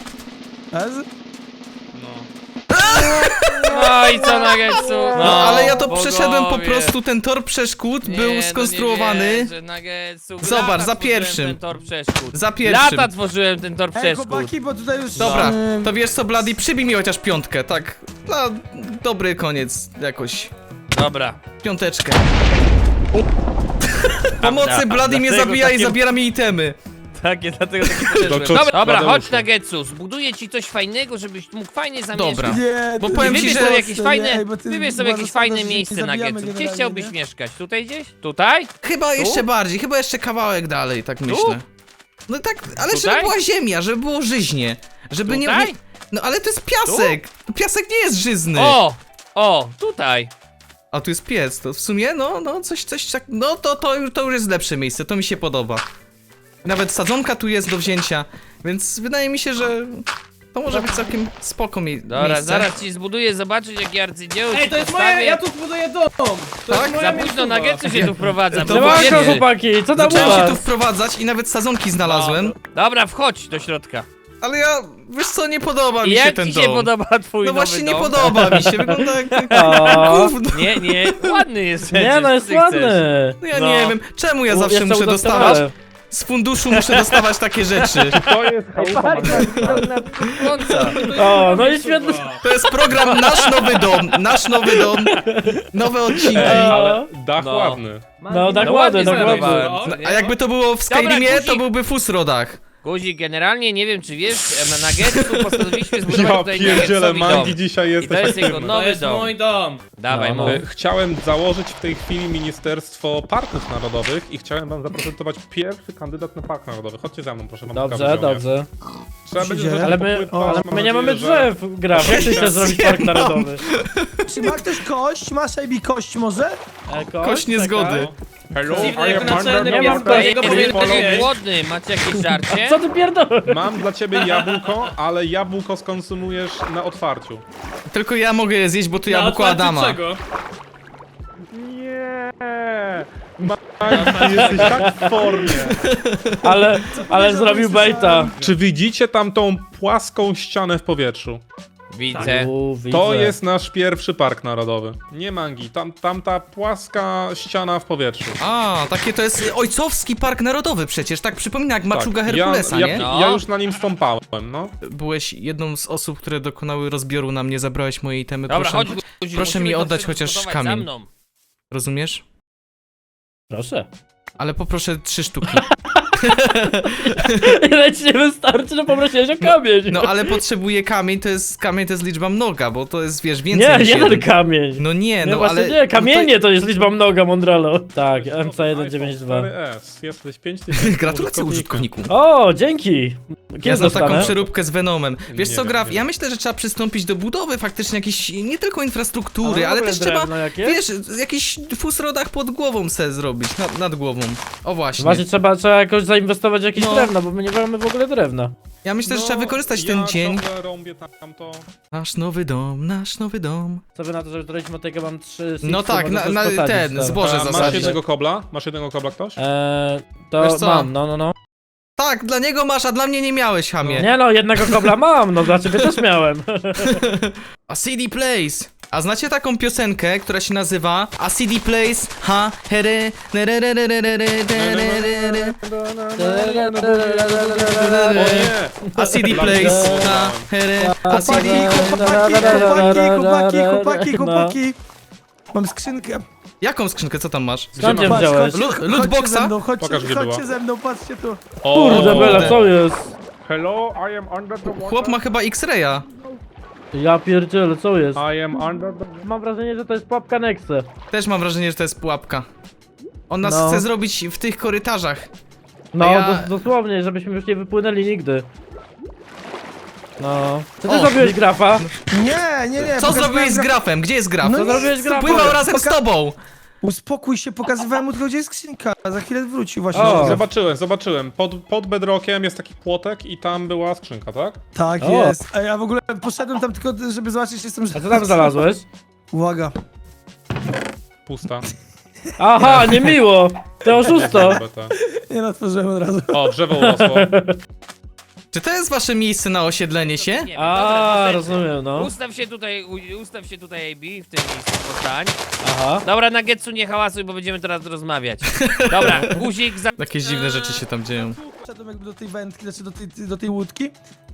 Speaker 4: No i co, Nuggetsu?
Speaker 1: No, ale ja to
Speaker 4: bogowie.
Speaker 1: przeszedłem po prostu, ten tor przeszkód
Speaker 4: Nie,
Speaker 1: był
Speaker 4: no
Speaker 1: skonstruowany.
Speaker 4: nie wierzę, Nuggetsu.
Speaker 1: Zobacz,
Speaker 4: Lata
Speaker 1: za
Speaker 4: tworzyłem
Speaker 1: pierwszym.
Speaker 4: ten tor przeszkód.
Speaker 1: Za pierwszym.
Speaker 4: Lata tworzyłem ten tor
Speaker 3: Ej,
Speaker 4: przeszkód.
Speaker 3: chłopaki, bo tutaj już...
Speaker 1: Dobra, to wiesz co, Bloody, przybij mi chociaż piątkę, tak. Na dobry koniec, jakoś.
Speaker 4: Dobra.
Speaker 1: Piąteczkę. Pomocy, Bloody mnie
Speaker 4: Dlatego
Speaker 1: zabija i
Speaker 4: takie-
Speaker 1: zabiera mi itemy.
Speaker 4: Takie, dlatego takie podeszłem.
Speaker 2: To co-
Speaker 4: Dobra,
Speaker 2: Tadeuszu.
Speaker 4: chodź Nuggetsu, zbuduję ci coś fajnego, żebyś mógł fajnie zamieszkać.
Speaker 1: Dobra.
Speaker 3: Nie,
Speaker 1: Bo
Speaker 3: to
Speaker 1: powiem
Speaker 3: nie
Speaker 1: ci,
Speaker 4: Wybierz
Speaker 1: że-
Speaker 4: sobie jakieś fajne,
Speaker 3: Ej, bo ty
Speaker 4: wybierz sobie
Speaker 3: uważasz,
Speaker 4: jakieś fajne
Speaker 3: że się
Speaker 4: miejsce
Speaker 3: zabijamy
Speaker 4: Nuggetsu. Gdzie
Speaker 3: generalnie,
Speaker 4: chciałbyś
Speaker 3: nie?
Speaker 4: mieszkać? Tutaj gdzieś? Tutaj?
Speaker 1: Chyba jeszcze bardziej, chyba jeszcze kawałek dalej, tak myślę. No tak, ale żeby
Speaker 4: Tutaj?
Speaker 1: była ziemia, żeby było żyźnie. Żeby nie,
Speaker 4: Tutaj?
Speaker 1: nie... No ale to jest piasek! Piasek nie jest żyzny!
Speaker 4: O, tutaj.
Speaker 1: A tu jest piec, to w sumie, no, coś tak... No to już jest lepsze miejsce, to mi się podoba. Nawet sadzonka tu jest do wzięcia, więc wydaje mi się, że... To może być całkiem spoko
Speaker 4: Dobra,
Speaker 1: miejsce.
Speaker 4: zaraz ci zbuduję, zobaczyć jakie arcydzieło
Speaker 6: Ej,
Speaker 4: ci
Speaker 6: to jest
Speaker 4: postawię.
Speaker 6: moje, ja tu buduję dom! To
Speaker 1: Tak?
Speaker 6: jest moja
Speaker 4: Za późno
Speaker 6: miejscowa.
Speaker 4: Nuggetsu się tu wprowadza.
Speaker 1: To
Speaker 4: bo
Speaker 1: właśnie-
Speaker 4: wiecie.
Speaker 5: Siemanko, chłopaki, co tam u
Speaker 1: Zacząłem się tu
Speaker 5: was?
Speaker 1: wprowadzać i nawet sadzonki znalazłem,
Speaker 4: Dobra, wchodź do środka.
Speaker 1: ale ja, wiesz co, nie podoba mi
Speaker 4: I
Speaker 1: się
Speaker 4: jak
Speaker 1: ten
Speaker 4: ci się
Speaker 1: dom.
Speaker 4: podoba twój
Speaker 1: No
Speaker 4: nowy
Speaker 1: właśnie nie
Speaker 4: dom?
Speaker 1: podoba mi się, wygląda jak
Speaker 5: O,
Speaker 1: gówno.
Speaker 4: Nie, ładny jest
Speaker 5: nie
Speaker 4: przecież,
Speaker 5: no, jest
Speaker 4: ty chcesz.
Speaker 5: ładny.
Speaker 1: No ja
Speaker 4: No.
Speaker 1: nie wiem, czemu ja zawsze
Speaker 5: Jestem
Speaker 1: muszę
Speaker 5: udoskonalony.
Speaker 1: dostawać, z funduszu muszę dostawać takie rzeczy.
Speaker 2: To jest chałupa
Speaker 4: Końca.
Speaker 5: O, no i świetny.
Speaker 1: To jest program Nasz Nowy Dom, nowe odcinki.
Speaker 2: Ale dach
Speaker 4: No.
Speaker 2: ładny.
Speaker 5: No, tak
Speaker 4: No
Speaker 5: ładny,
Speaker 4: ładnie
Speaker 5: tak ładny.
Speaker 4: zbudowałem.
Speaker 1: No, a jakby to było w Skyrimie,
Speaker 4: Guzik.
Speaker 1: to byłby Fusrodach.
Speaker 4: Guzik, generalnie nie wiem czy wiesz, na Nuggetsu postanowiliśmy zbudować
Speaker 2: Ja
Speaker 4: tutaj
Speaker 2: pierdzielę,
Speaker 4: Nuggetsowi dom.
Speaker 2: Mangi dzisiaj
Speaker 4: I to
Speaker 2: jesteś
Speaker 4: jest jego
Speaker 2: aktywny.
Speaker 6: To
Speaker 4: nowy
Speaker 6: jest
Speaker 4: dom.
Speaker 6: mój dom.
Speaker 4: Dawaj,
Speaker 5: No,
Speaker 4: mów.
Speaker 5: no.
Speaker 2: Chciałem założyć w tej chwili Ministerstwo Parków Narodowych i chciałem wam zaprezentować pierwszy kandydat na Park Narodowy. Chodźcie za mną, proszę wam
Speaker 5: Dobrze,
Speaker 2: pokazać.
Speaker 5: dobrze.
Speaker 2: Trzeba będzie
Speaker 3: Ale
Speaker 5: Ale
Speaker 2: trochę
Speaker 5: my,
Speaker 2: popływać,
Speaker 5: ale
Speaker 2: mam
Speaker 5: my nie
Speaker 2: nadzieję,
Speaker 5: mamy
Speaker 2: że-
Speaker 5: drzew, Graf. Jak ty chcesz zrobić park narodowy?
Speaker 3: Czy ma ktoś kość? Masz AB kość może?
Speaker 1: Kość niezgody.
Speaker 2: Hello,
Speaker 6: Dziwne,
Speaker 2: I
Speaker 6: jak
Speaker 2: am
Speaker 6: naczelny
Speaker 2: under
Speaker 5: nie
Speaker 2: the
Speaker 5: mam
Speaker 2: water.
Speaker 4: Ej,
Speaker 5: tego
Speaker 2: Please
Speaker 4: jestem
Speaker 2: follow
Speaker 4: taki
Speaker 2: me.
Speaker 4: głodny, macie jakieś żarcie?
Speaker 5: Co ty pierdolisz?
Speaker 2: Mam dla ciebie jabłko, ale jabłko skonsumujesz na otwarciu.
Speaker 1: Tylko ja mogę je zjeść, bo to
Speaker 6: Na
Speaker 1: jabłko
Speaker 6: otwarciu
Speaker 1: Adama.
Speaker 6: czego?
Speaker 2: Nie. Mangi, jesteś tak w formie.
Speaker 5: Ale zrobił baita.
Speaker 2: Czy widzicie tam tą płaską ścianę w powietrzu?
Speaker 4: Widzę.
Speaker 2: To jest nasz pierwszy park narodowy. Nie Mangi, tam ta płaska ściana w powietrzu.
Speaker 1: A, takie to jest ojcowski park narodowy przecież, tak przypomina jak Maczuga Herkulesa,
Speaker 2: ja,
Speaker 1: nie?
Speaker 4: No.
Speaker 2: ja już na nim stąpałem, no.
Speaker 1: Byłeś jedną z osób, które dokonały rozbioru na mnie, zabrałeś moje itemy,
Speaker 4: Dobra,
Speaker 1: proszę,
Speaker 4: chodź Guzik,
Speaker 1: proszę mi
Speaker 4: musimy to
Speaker 1: oddać
Speaker 4: wszystko
Speaker 1: chociaż
Speaker 4: zbudować
Speaker 1: kamień.
Speaker 4: za mną.
Speaker 1: rozumiesz?
Speaker 5: Proszę.
Speaker 1: Ale poproszę 3 sztuki.
Speaker 5: Ile ci nie wystarczy, że poprosiłeś o kamień.
Speaker 1: No ale potrzebuję kamień to jest liczba mnoga, bo to jest, wiesz, więcej
Speaker 5: Nie,
Speaker 1: niż
Speaker 5: jeden
Speaker 1: jeden.
Speaker 5: kamień.
Speaker 1: No nie,
Speaker 5: Nie,
Speaker 1: no
Speaker 5: właśnie
Speaker 1: ale...
Speaker 5: nie, kamienie
Speaker 1: no
Speaker 5: to jest liczba mnoga, Mondralo. Tak, MC192.
Speaker 2: 4S, jesteś 5000
Speaker 1: Gratulacje użytkowniku.
Speaker 5: O, dzięki. Kiedy
Speaker 1: Ja znam taką
Speaker 5: dostanę?
Speaker 1: przeróbkę z Venomem. Wiesz
Speaker 2: Nie
Speaker 1: co,
Speaker 2: wiem,
Speaker 1: Graf,
Speaker 2: nie
Speaker 1: ja
Speaker 2: wiem.
Speaker 1: myślę, że trzeba przystąpić do budowy faktycznie jakiejś, nie tylko infrastruktury,
Speaker 5: A w
Speaker 1: ale
Speaker 5: ogóle
Speaker 1: też trzeba,
Speaker 5: drewno jakieś?
Speaker 1: wiesz, jakiś fusrodach pod głową se zrobić, nad głową. O właśnie.
Speaker 5: Właśnie trzeba jakoś zainwestować w jakieś
Speaker 1: No.
Speaker 5: drewno, bo my nie mamy w ogóle drewna.
Speaker 1: Ja myślę, że trzeba wykorzystać ten dzień.
Speaker 2: Ja ciągle rąbię tamto.
Speaker 1: Nasz nowy dom.
Speaker 5: Co wy na to, że któregoś motyka mam 3
Speaker 1: No tak, na ten, zboże
Speaker 2: A, masz
Speaker 1: zasadzić.
Speaker 2: jednego kobla? Masz jednego kobla ktoś?
Speaker 5: To
Speaker 1: Wiesz co?
Speaker 5: mam, no.
Speaker 1: Tak, dla niego masz, a dla mnie nie miałeś, hamie.
Speaker 5: Nie no, jednego kobla mam, no dla ciebie też miałem.
Speaker 1: A CD Plays. A znacie taką piosenkę, która się nazywa A CD Plays, ha, here,
Speaker 2: O nie!
Speaker 1: A CD Plays, ha, here, a CD...
Speaker 3: Chłopaki. Mam skrzynkę.
Speaker 1: Jaką skrzynkę, co tam masz?
Speaker 5: Skąd ją
Speaker 2: masz?
Speaker 5: wziąłeś?
Speaker 1: Lootboxa?
Speaker 2: Pokaż, gdzie
Speaker 3: Chodźcie
Speaker 2: była.
Speaker 3: ze mną, patrzcie tu.
Speaker 5: Kurde, Bela, co jest?
Speaker 2: Hello, I am under the water.
Speaker 1: Chłop ma chyba X-Raya.
Speaker 5: Ja pierdzielę, co jest?
Speaker 2: I am under the...
Speaker 5: Mam wrażenie, że to jest pułapka Nexe.
Speaker 1: Też mam wrażenie, że to jest pułapka. On nas
Speaker 5: No.
Speaker 1: chce zrobić w tych korytarzach.
Speaker 5: No,
Speaker 1: A ja-
Speaker 5: dosłownie, żebyśmy już nie wypłynęli nigdy. No. Co ty
Speaker 1: O,
Speaker 5: zrobiłeś, Grafa?
Speaker 3: Nie.
Speaker 1: Co
Speaker 3: pokazywałem
Speaker 1: zrobiłeś z grafem? Gdzie jest graf?
Speaker 3: No
Speaker 5: Co
Speaker 3: nie,
Speaker 5: zrobiłeś, Grafa?
Speaker 1: Pływał razem z tobą!
Speaker 3: Uspokój się, pokazywałem mu tylko, gdzie jest skrzynka. Za chwilę wrócił właśnie.
Speaker 5: O.
Speaker 2: Zobaczyłem. Pod bedrockiem jest taki płotek i tam była skrzynka, tak?
Speaker 3: Tak
Speaker 5: O.
Speaker 3: jest. A ja w ogóle poszedłem tam tylko, żeby zobaczyć, czy jestem...
Speaker 5: A co tam znalazłeś?
Speaker 3: Uwaga.
Speaker 2: Pusta.
Speaker 5: Aha, niemiło! Ty oszusto!
Speaker 3: Nie otworzyłem od razu.
Speaker 2: O, drzewo urosło.
Speaker 1: Czy to jest wasze miejsce na osiedlenie się?
Speaker 4: Nie wiem,
Speaker 5: A,
Speaker 4: dobra,
Speaker 5: rozumiem, no.
Speaker 4: ustaw się tutaj, AB, w tym miejscu postań.
Speaker 5: Aha.
Speaker 4: Dobra, Nuggetsu, nie hałasuj, bo będziemy teraz rozmawiać. Dobra, guzik za...
Speaker 1: Jakieś dziwne rzeczy się tam dzieją.
Speaker 3: Wszedłem jakby do tej wędki, znaczy do tej łódki.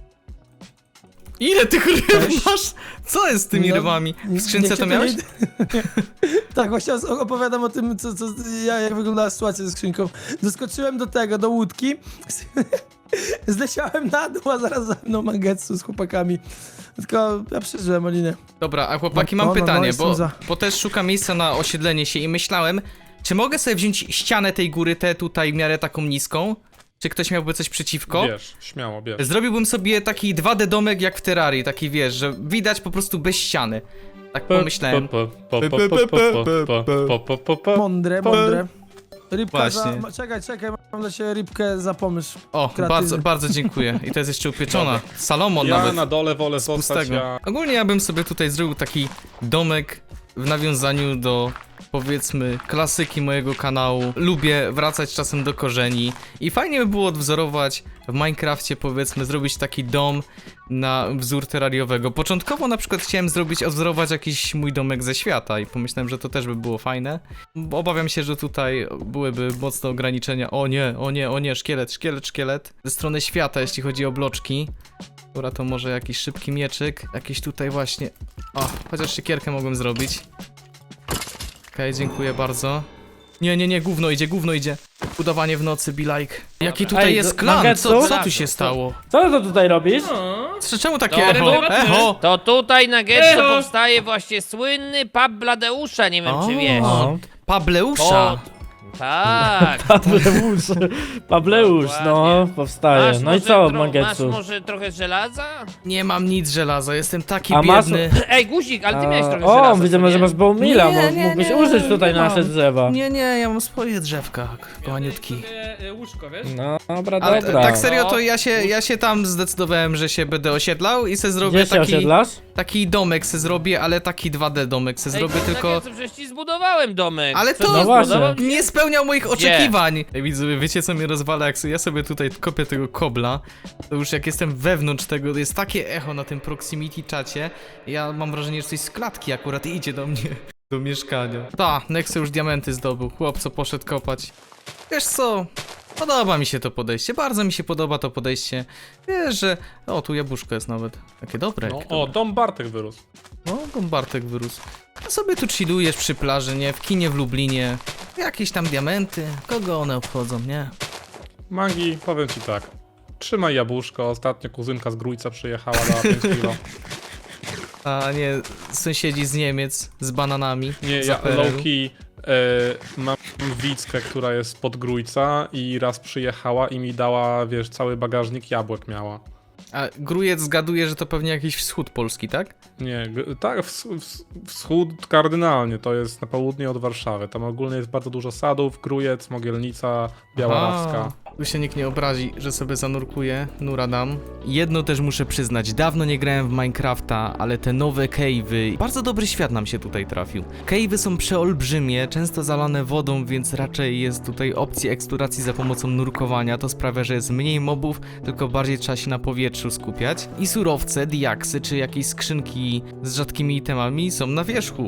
Speaker 1: Ile tych ryb
Speaker 3: Cześć.
Speaker 1: masz? Co jest z tymi
Speaker 3: No,
Speaker 1: rybami? W
Speaker 3: nie
Speaker 1: skrzynce to miałeś?
Speaker 3: Tak, właśnie opowiadam o tym, jak wyglądała sytuacja ze skrzynką. Doskoczyłem do łódki. Zleciałem na dół, a zaraz za mną Mangetsu z chłopakami. Tylko ja przeżyłem, Olinie.
Speaker 1: Dobra, a chłopaki,
Speaker 3: No,
Speaker 1: mam
Speaker 3: no,
Speaker 1: pytanie,
Speaker 3: jestem
Speaker 1: bo,
Speaker 3: za.
Speaker 1: bo też szukam miejsca na osiedlenie się i myślałem, czy mogę sobie wziąć ścianę tej góry, tę tutaj w miarę taką niską? Czy ktoś miałby coś przeciwko?
Speaker 2: Bierz, śmiało, bierz.
Speaker 1: Zrobiłbym sobie taki 2D domek jak w Terrarii, taki wiesz, że widać po prostu bez ściany. Tak pomyślałem.
Speaker 3: Mądre. Rybka
Speaker 1: Właśnie.
Speaker 3: Czekaj, mam dla ciebie rybkę za pomysł.
Speaker 1: O,
Speaker 3: Kreatywny.
Speaker 1: bardzo dziękuję. I to jest jeszcze upieczona. Salomon
Speaker 2: Ja
Speaker 1: nawet.
Speaker 2: na dole wolę
Speaker 1: Z
Speaker 2: zostać,
Speaker 1: pustego.
Speaker 2: ja...
Speaker 1: Ogólnie ja bym sobie tutaj zrobił taki domek w nawiązaniu do, powiedzmy, klasyki mojego kanału. Lubię wracać czasem do korzeni i fajnie by było odwzorować w Minecrafcie, powiedzmy, zrobić taki dom na wzór terrariowego. Początkowo na przykład chciałem odwzorować jakiś mój domek ze świata i pomyślałem, że to też by było fajne. Bo obawiam się, że tutaj byłyby mocne ograniczenia. O nie, szkielet. Ze strony świata, jeśli chodzi o bloczki. Dobra, to może jakiś szybki mieczyk. Jakiś tutaj właśnie... O, chociaż siekierkę mogłem zrobić. Okej, dziękuję bardzo. Nie, gówno idzie. Budowanie w nocy, be like. Jaki tutaj
Speaker 5: Ej,
Speaker 1: jest
Speaker 5: do-
Speaker 1: klan?
Speaker 5: Nuggetsu?
Speaker 1: Co tu się stało?
Speaker 5: Co ty tutaj robisz?
Speaker 1: Czemu takie
Speaker 4: Dobra,
Speaker 1: echo?
Speaker 4: dobra.
Speaker 1: Echo!
Speaker 4: To tutaj, Nuggetsu,
Speaker 6: Echo.
Speaker 4: powstaje właśnie słynny pub Bladeusza, nie wiem czy wiesz.
Speaker 5: O.
Speaker 1: Pableusza!
Speaker 4: Tak.
Speaker 5: Pableusz, no,
Speaker 4: Dokładnie.
Speaker 5: powstaje. No i co,
Speaker 4: Masz
Speaker 5: Mangetsu?
Speaker 4: może trochę żelaza?
Speaker 1: Nie mam nic żelaza, jestem taki
Speaker 5: A masz-
Speaker 1: biedny.
Speaker 4: Ej, guzik, ale ty miałeś trochę
Speaker 5: O,
Speaker 4: żelaza.
Speaker 5: widzę,
Speaker 4: co
Speaker 5: że
Speaker 4: nie?
Speaker 5: masz Bowmila,
Speaker 1: Nie,
Speaker 5: mógłbyś
Speaker 1: nie,
Speaker 5: użyć tutaj
Speaker 1: nie
Speaker 5: nasze
Speaker 1: mam.
Speaker 5: drzewa.
Speaker 1: Nie, ja mam swoje drzewka, kochaniutki.
Speaker 6: Łóżko, wiesz?
Speaker 5: No, dobra,
Speaker 1: Ale
Speaker 5: dobra.
Speaker 1: tak serio, to
Speaker 4: No.
Speaker 1: ja się tam zdecydowałem, że się będę osiedlał i se zrobię
Speaker 5: Gdzie się
Speaker 1: taki...
Speaker 5: osiedlasz?
Speaker 1: Taki domek se zrobię, ale taki 2D domek se zrobię, tylko...
Speaker 4: Nuggetsu, przecież ci zbudowałem domek.
Speaker 1: Ale
Speaker 4: Co
Speaker 1: to
Speaker 4: ci
Speaker 5: No właśnie.
Speaker 4: zbudował?
Speaker 1: nie spełniał moich oczekiwań. Ej, widzowie, wiecie co mnie rozwala? Jak ja sobie tutaj kopię tego kobla, to już jak jestem wewnątrz tego, jest takie echo na tym proximity czacie. Ja mam wrażenie, że coś z klatki akurat idzie do mnie, do mieszkania. Nexe już diamenty zdobył, chłopco poszedł kopać. Wiesz co? Podoba mi się to podejście, bardzo mi się podoba to podejście. Wiesz, że... O, tu jabłuszko jest nawet. Takie dobre.
Speaker 2: No,
Speaker 1: jakie
Speaker 2: o,
Speaker 1: dobre.
Speaker 2: dom Bartek wyrósł.
Speaker 1: No, Gombartek wyrósł. A sobie tu chillujesz przy plaży, nie? W kinie w Lublinie. Jakieś tam diamenty. Kogo one obchodzą, nie?
Speaker 2: Mangi, powiem ci tak. Trzymaj jabłuszko, ostatnio kuzynka z Grójca przyjechała na 5 kilo.
Speaker 1: A nie sąsiedzi z Niemiec z bananami.
Speaker 2: Nie,
Speaker 1: z
Speaker 2: ja
Speaker 1: APR-u.
Speaker 2: low-key mam Wickę, która jest spod Grójca i raz przyjechała i mi dała, wiesz, cały bagażnik jabłek miała.
Speaker 1: A Grójec zgaduje, że to pewnie jakiś wschód Polski, tak?
Speaker 2: Nie, tak, wschód kardynalnie, to jest na południe od Warszawy. Tam ogólnie jest bardzo dużo sadów, Grójec, Mogielnica, Białarawska.
Speaker 1: Aha, tu się nikt nie obrazi, że sobie zanurkuję, nura dam. Jedno też muszę przyznać, dawno nie grałem w Minecrafta, ale te nowe cave'y, bardzo dobry świat nam się tutaj trafił. Cave'y są przeolbrzymie, często zalane wodą, więc raczej jest tutaj opcja eksploracji za pomocą nurkowania. To sprawia, że jest mniej mobów, tylko bardziej trzeba się na powietrzu skupiać. I surowce, diaksy czy jakieś skrzynki z rzadkimi itemami są na wierzchu.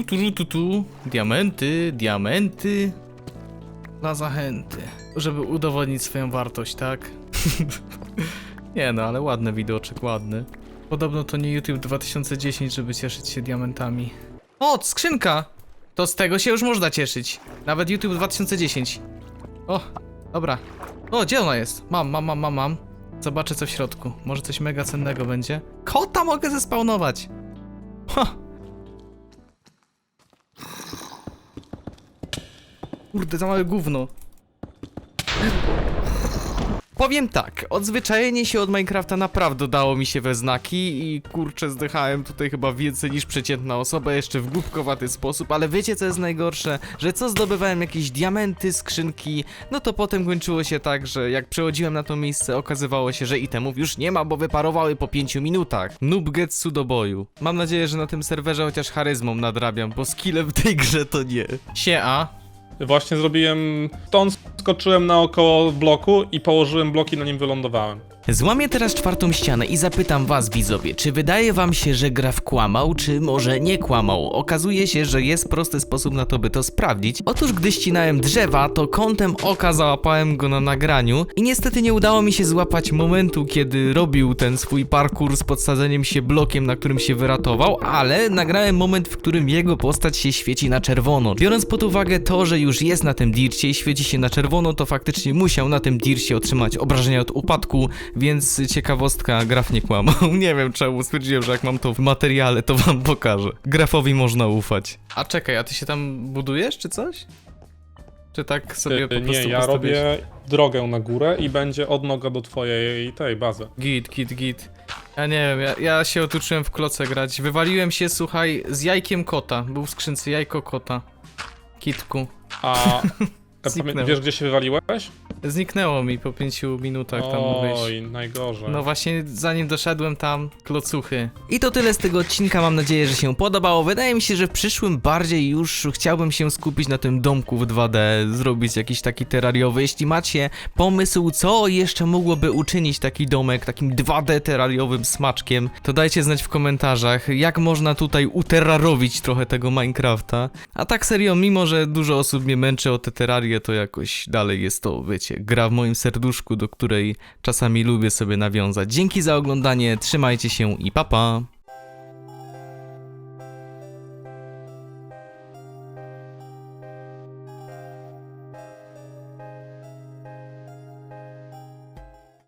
Speaker 1: Diamenty. Na zachęty, żeby udowodnić swoją wartość, tak? Nie no, ale ładny widoczek, ładny. Podobno to nie YouTube 2010, żeby cieszyć się diamentami. O, skrzynka! To z tego się już można cieszyć. Nawet YouTube 2010. O, dobra. O, gdzie ona jest? Mam. Zobaczę co w środku. Może coś mega cennego będzie. Kota mogę zespawnować! Ha! Kurde, za małe gówno. Powiem tak, odzwyczajenie się od Minecrafta naprawdę dało mi się we znaki i kurczę zdychałem tutaj chyba więcej niż przeciętna osoba, jeszcze w głupkowaty sposób, ale wiecie co jest najgorsze? Że co zdobywałem jakieś diamenty, skrzynki, no to potem kończyło się tak, że jak przechodziłem na to miejsce okazywało się, że itemów już nie ma, bo wyparowały po 5 minutach. Noob Getsu do boju. Mam nadzieję, że na tym serwerze chociaż charyzmą nadrabiam, bo skillem w tej grze to nie. Siema.
Speaker 2: Właśnie zrobiłem... Stąd skoczyłem naokoło bloku i położyłem bloki, na nim wylądowałem.
Speaker 1: Złamię teraz czwartą ścianę i zapytam was, widzowie, czy wydaje wam się, że Graf kłamał, czy może nie kłamał? Okazuje się, że jest prosty sposób na to, by to sprawdzić. Otóż gdy ścinałem drzewa, to kątem oka załapałem go na nagraniu i niestety nie udało mi się złapać momentu, kiedy robił ten swój parkour z podsadzeniem się blokiem, na którym się wyratował, ale nagrałem moment, w którym jego postać się świeci na czerwono. Biorąc pod uwagę to, że już jest na tym dircie i świeci się na czerwono, to faktycznie musiał na tym dircie otrzymać obrażenia od upadku, więc ciekawostka, Graf nie kłamał. Nie wiem czemu, stwierdziłem, że jak mam to w materiale, to wam pokażę. Grafowi można ufać. A czekaj, a ty się tam budujesz, czy coś? Czy tak sobie po prostu
Speaker 2: Nie, ja
Speaker 1: postawiłeś?
Speaker 2: robię drogę na górę i będzie odnoga do twojej tej bazy.
Speaker 1: Git. Ja nie wiem, ja się otuczyłem w kloce grać. Wywaliłem się, słuchaj, z jajkiem kota. Był w skrzynce jajko kota. Kitku.
Speaker 2: A
Speaker 1: Zniknęło.
Speaker 2: wiesz gdzie się wywaliłeś?
Speaker 1: Zniknęło mi po 5 minutach tam wyjść.
Speaker 2: Oj, najgorzej.
Speaker 1: No właśnie, zanim doszedłem tam, klocuchy. I to tyle z tego odcinka, mam nadzieję, że się podobało. Wydaje mi się, że w przyszłym bardziej już chciałbym się skupić na tym domku w 2D, zrobić jakiś taki terrariowy. Jeśli macie pomysł, co jeszcze mogłoby uczynić taki domek takim 2D terrariowym smaczkiem, to dajcie znać w komentarzach, jak można tutaj uterrarowić trochę tego Minecrafta. A tak serio, mimo że dużo osób mnie męczy o te terrarie, to jakoś dalej jest to, wiecie, gra w moim serduszku, do której czasami lubię sobie nawiązać. Dzięki za oglądanie, trzymajcie się i pa pa!